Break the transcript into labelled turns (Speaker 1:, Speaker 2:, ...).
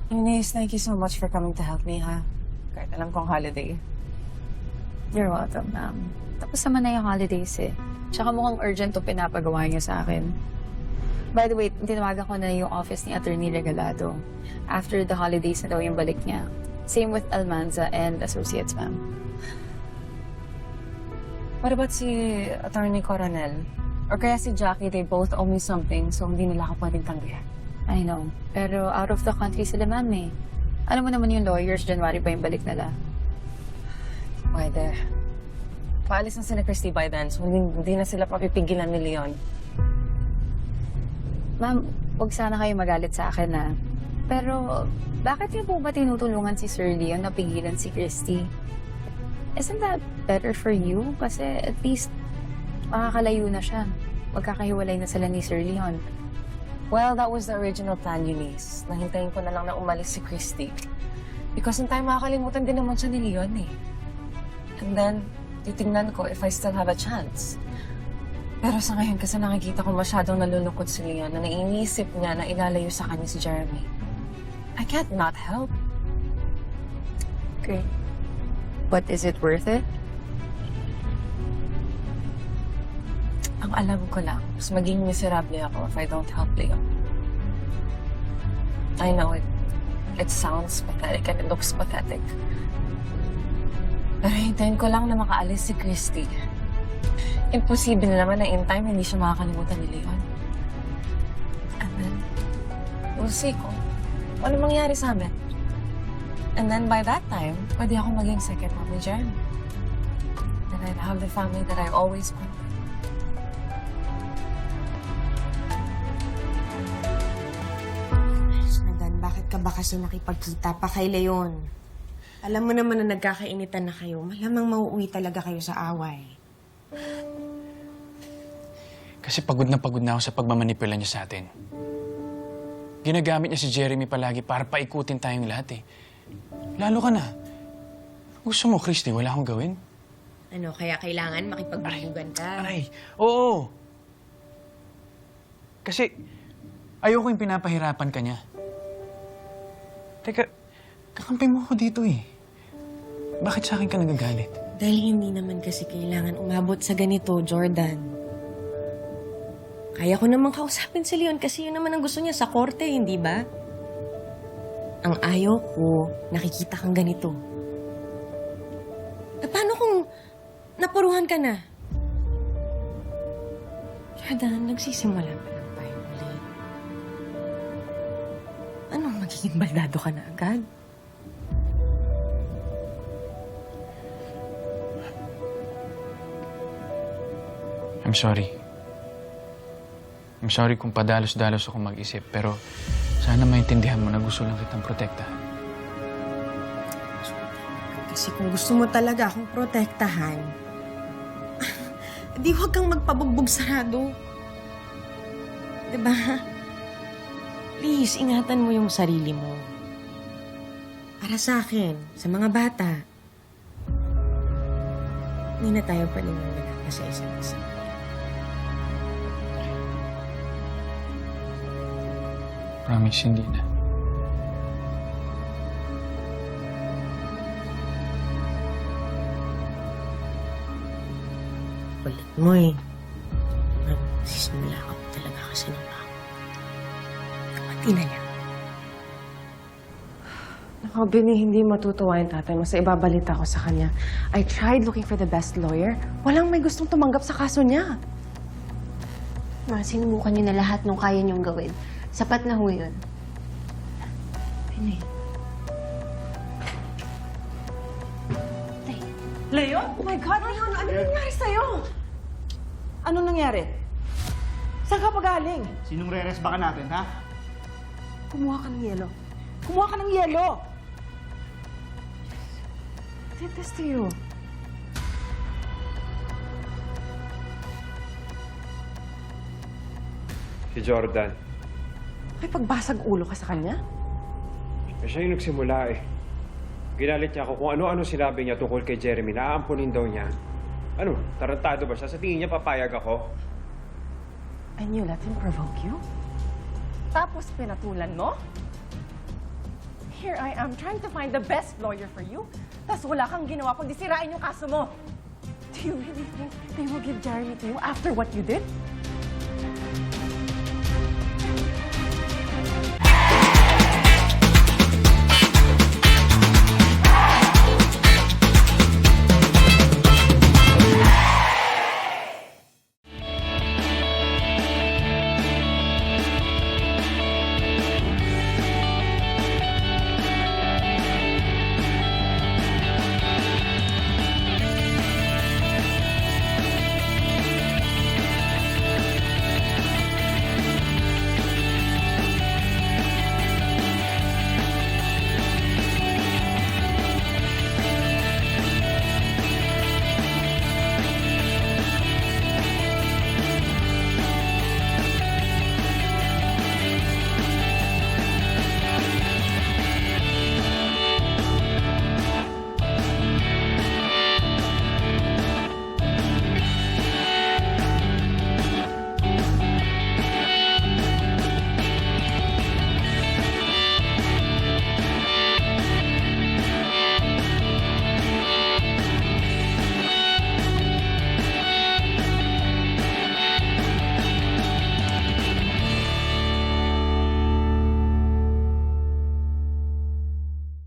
Speaker 1: Eunice, thank you so much for coming to help me, ha? Kahit alam kong holiday.
Speaker 2: You're welcome, ma'am. Tapos naman na yung holidays eh. Tsaka mukhang urgent itong pinapagawa niyo sa akin. By the way, tinawagan ko na yung office ni Attorney Regalado. After the holidays na daw yung balik niya. Same with Almanza and Associates, ma'am.
Speaker 1: What about si Attorney Coronel? Or kaya si Jackie, they both owe me something, so hindi nila ako pwedeng tanggihan.
Speaker 2: I know. Pero out of the country sila, ma'am eh. Alam mo naman yung lawyers, January pa yung balik nila.
Speaker 1: Pwede. Paalis na sila Christy by then, so hindi na sila papipigilan ni Leon.
Speaker 2: Ma'am, huwag sana kayo magalit sa akin na. Pero, bakit niyo po ba tinutulungan si Sir Leon na pigilan si Christy? Isn't that better for you? Kasi at least, makakalayo na siya. Magkakahiwalay na sila ni Sir Leon.
Speaker 1: Well, that was the original plan, Eunice. Nahintayin ko na lang na umalis si Christy. Because in time, makakalimutan din naman siya ni Leon eh. And then, titingnan ko if I still have a chance. Pero sa ngayon, kasi nakikita ko masyadong nalulungkot si Leon na naiinisip niya na ilalayo sa kanya si Jeremy. I can't not help.
Speaker 2: Okay. But is it worth it?
Speaker 1: Ang alam ko lang, mas maging miserable ako if I don't help Leon. I know it sounds pathetic and it looks pathetic. Pero hintayin ko lang na makaalis si Christy. Imposible na naman na in time hindi siya makakalimutan ni Leon. And then, we'll see kung ano mangyari sa amin. And then by that time, pwede ako maging second mom ni Jeremy. And I'd have the family that I always wanted.
Speaker 3: Nadan, bakit ka ba kasi nakipagkita pa kay Leon? Alam mo naman na nagkakainitan na kayo. Malamang mauuwi talaga kayo sa away.
Speaker 4: Kasi pagod na ako sa pagmamanipula niya sa atin. Ginagamit niya si Jeremy palagi para paikutin tayong lahat eh. Lalo ka na. Gusto mo, Christy, wala akong gawin?
Speaker 3: Ano, kaya kailangan makipagbubugan ka?
Speaker 4: Aray, oo. Kasi ayoko yung pinapahirapan ka niya. Teka, kakampi mo ako dito eh. Bakit sa akin ka nagagalit?
Speaker 3: Dahil hindi naman kasi kailangan umabot sa ganito, Jordan. Kaya ko namang kausapin si Leon kasi yun naman ang gusto niya sa korte, hindi ba? Ang ayaw ko, nakikita kang ganito. Eh, paano kung napuruhan ka na? Jordan, nagsisimula pa lang tayo ulit. Anong magiging baldado ka na agad?
Speaker 4: I'm sorry. I'm sorry kung padalos-dalos ako mag-isip, pero sana maintindihan mo na gusto lang kitang protektahan.
Speaker 3: Kasi kung gusto mo talaga akong protektahan, di huwag kang magpabugbog sarado. Diba? Please, ingatan mo yung sarili mo. Para sa akin, sa mga bata, hindi na tayo paniniwala sa isa't isa.
Speaker 4: Promise, hindi na.
Speaker 3: Kulit mo eh. Nagsisimula ka talaga kasi ng ako. Kapati na niya.
Speaker 1: Naku, Bini, hindi matutuwa yung tatay mo sa ibabalita ko sa kanya. I tried looking for the best lawyer. Walang may gustong tumanggap sa kaso niya.
Speaker 5: Ma, sinubukan niyo na lahat nung kaya niyong gawin. Sapat na ho yun.
Speaker 1: Bini.
Speaker 6: Leon? Oh my God, Leon! Ano nangyari sa'yo? Ano nangyari? Saan ka pa galing?
Speaker 7: Sinong re-resba ka natin, ha?
Speaker 6: Kumuha ka ng yelo. Kumuha ka ng yelo!
Speaker 1: Did this to you?
Speaker 8: Si Jordan.
Speaker 1: May pagbasag ulo ka sa kanya?
Speaker 8: Eh, siya yung nagsimula eh. Ginalit niya ako kung ano-ano sinabi niya tungkol kay Jeremy. Naaampunin daw niya. Ano, tarantado ba siya? Sa tingin niya papayag ako?
Speaker 1: And you let him provoke you? Tapos pinatulan mo?
Speaker 6: here I am trying to find the best lawyer for you. Tapos wala kang ginawa kundi sirain yung kaso mo. Do you really think they will give Jeremy to you after what you did?